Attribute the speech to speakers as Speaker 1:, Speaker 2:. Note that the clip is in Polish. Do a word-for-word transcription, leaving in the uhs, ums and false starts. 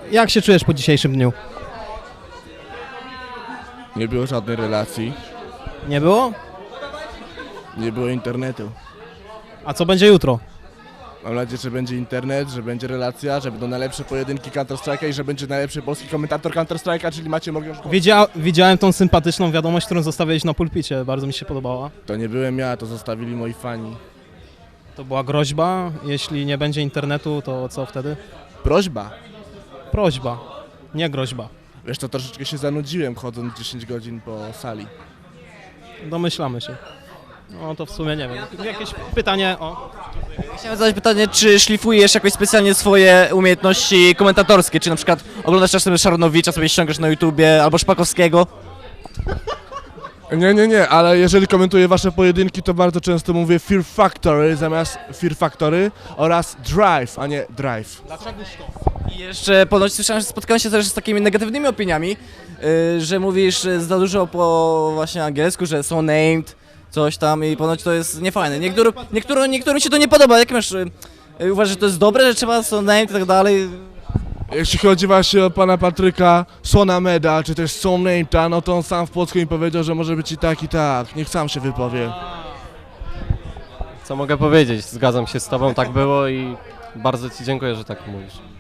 Speaker 1: Jak się czujesz po dzisiejszym dniu?
Speaker 2: Nie było żadnej relacji,
Speaker 1: Nie było?
Speaker 2: nie było internetu.
Speaker 1: A co będzie jutro?
Speaker 2: Mam nadzieję, że będzie internet, że będzie relacja, że będą najlepsze pojedynki Counter-Strike'a i że będzie najlepszy polski komentator Counter-Strike'a, czyli Maciej Mogę.
Speaker 1: Widzia, widziałem tą sympatyczną wiadomość, którą zostawiłeś na pulpicie, bardzo mi się podobała.
Speaker 2: To nie byłem ja, to zostawili moi fani.
Speaker 1: To była groźba, jeśli nie będzie internetu, to co wtedy?
Speaker 2: Prośba.
Speaker 1: Prośba, nie groźba.
Speaker 2: Wiesz, to troszeczkę się zanudziłem chodząc dziesięć godzin po sali.
Speaker 1: Domyślamy się. No to w sumie nie wiem. Jakieś pytanie o...
Speaker 3: Chciałem zadać pytanie, czy szlifujesz jakoś specjalnie swoje umiejętności komentatorskie? Czy na przykład oglądasz czasem Szaronowicza, sobie ściągasz na YouTubie, albo Szpakowskiego?
Speaker 2: Nie, nie, nie, ale jeżeli komentuję wasze pojedynki, to bardzo często mówię Fear Factory zamiast Fear Factory oraz Drive, a nie Drive.
Speaker 3: I jeszcze ponoć słyszałem, że spotkałem się też z takimi negatywnymi opiniami, yy, że mówisz yy, za dużo po właśnie angielsku, że są named, coś tam i ponoć to jest niefajne. Niektórym, niektórym, niektórym się to nie podoba. Jak masz, yy, uważasz, że to jest dobre, że trzeba są named i tak dalej?
Speaker 2: Jeśli chodzi właśnie o pana Patryka Sonameda, czy też Sonameta, no to on sam w Płocku mi powiedział, że może być i tak, i tak. Niech sam się wypowie.
Speaker 4: Co mogę powiedzieć? Zgadzam się z tobą, tak było i bardzo ci dziękuję, że tak mówisz.